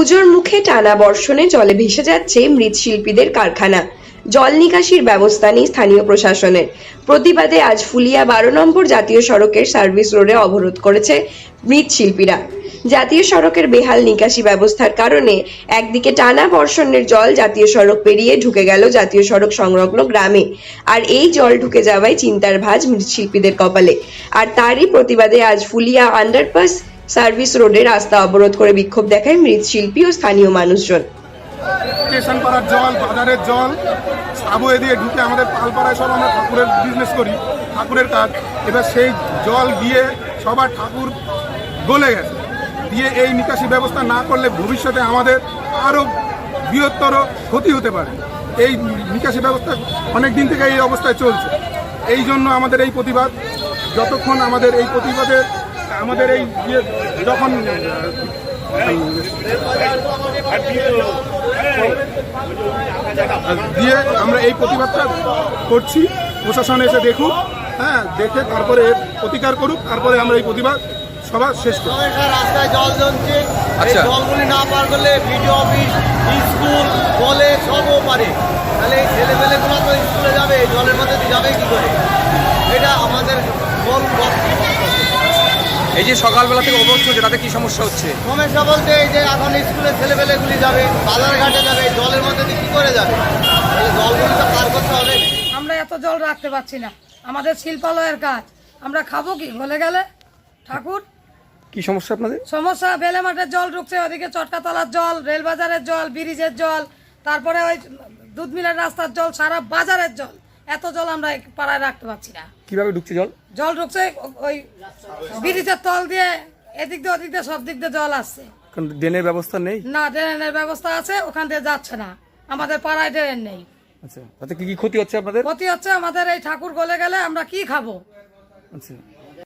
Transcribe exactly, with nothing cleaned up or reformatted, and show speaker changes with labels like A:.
A: পুজোর মুখে টানা বর্ষণে জলে ভেসে যাচ্ছে মৃৎশিল্পীদের কারখানা। জল নিকাশির ব্যবস্থা নেই স্থানীয় প্রশাসনের। প্রতিবাদে আজ ফুলিয়া বারো নম্বর জাতীয় সড়কের সার্ভিস রোডে অবরোধ করেছে মৃৎশিল্পীরা। জাতীয় সড়কের বেহাল নিকাশি ব্যবস্থার কারণে একদিকে টানা বর্ষণের জল জাতীয় সড়ক পেরিয়ে ঢুকে গেল জাতীয় সড়ক সংলগ্ন গ্রামে, আর এই জল ঢুকে যাওয়ায় চিন্তার ভাঁজ মৃৎশিল্পীদের কপালে। আর তারই প্রতিবাদে আজ ফুলিয়া আন্ডারপাস সার্ভিস রোডে রাস্তা অবরোধ করে বিক্ষোভ দেখায় মৃৎশিল্পী ও স্থানীয় মানুষজন।
B: স্টেশন পাড়ার জল, বাজারের জল সাবওয়ে দিয়ে ঢুকে আমাদের পালপাড়ায় সব আমরা ঠাকুরের বিজনেস করি, ঠাকুরের কাজ। এবার সেই জল গিয়ে সবার ঠাকুর গলে গেছে, দিয়ে এই নিকাশি ব্যবস্থা না করলে ভবিষ্যতে আমাদের আরও বৃহত্তর ক্ষতি হতে পারে। এই নিকাশি ব্যবস্থা অনেক দিন থেকে এই অবস্থায় চলছে। এই জন্য আমাদের এই প্রতিবাদ। যতক্ষণ আমাদের এই প্রতিবাদের আমাদের এই ইয়ে যখন দিয়ে আমরা এই প্রতিবাদটা করছি, প্রশাসন এসে দেখুক, হ্যাঁ দেখে তারপরে প্রতিকার করুক, তারপরে আমরা এই প্রতিবাদ সবার শেষ করি।
C: রাস্তায় জল জমছে, জলগুলি না পার করলে বিডিও অফিস, স্কুল, কলেজ সবও পারে, তাহলে এই ছেলেমেয়েগুলো তো স্কুলে যাবে, জলের মধ্যে যাবে কি করে? এটা আমাদের বল।
D: এই যে সকালবেলা থেকে অবরোধ চলছে, তাতে কি সমস্যা হচ্ছে?
C: সমস্যা বলতে এই যে এখন স্কুলের ছেলেমেয়েগুলি যাবে, বাজার ঘাটে যাবে, জলের মধ্যে দিয়ে কী করে যাবে? তাহলে জলগুলি তো পার করতে হবে।
E: আমরা এত জল রাখতে পারছি না, আমাদের শিল্পালয়ের কাজ, আমরা খাবো কি গলে গেলে? ঠাকুর
D: কি সমস্যা আপনাদের?
E: সমস্যা, বেলে মাঠের জল ঢুকছে, ওদিকে চটকাতলার জল, রেলবাজারের জল, ব্রিজের জল, তারপরে ওই দুধ মিলের রাস্তার জল, সারা বাজারের জল। এত জল আমরা পাড়ায় রাখতে পারছি না।
D: কিভাবে ঢুকছে জল?
E: জল ঢুকছে ওই ব্রিজের তল দিয়ে, এদিক দিয়ে ওদিক দিয়ে সব দিক দিয়ে জল আসছে।
D: ড্রেনের ব্যবস্থা নেই?
E: না, ড্রেনের ব্যবস্থা আছে, ওখান দিয়ে যাচ্ছে না। আমাদের পাড়ায় ড্রেন নেই।
D: আচ্ছা, তাতে কি কি ক্ষতি হচ্ছে আপনাদের?
E: ক্ষতি হচ্ছে আমাদের, এই ঠাকুর গলে গেলে আমরা কি খাবো?
D: আচ্ছা।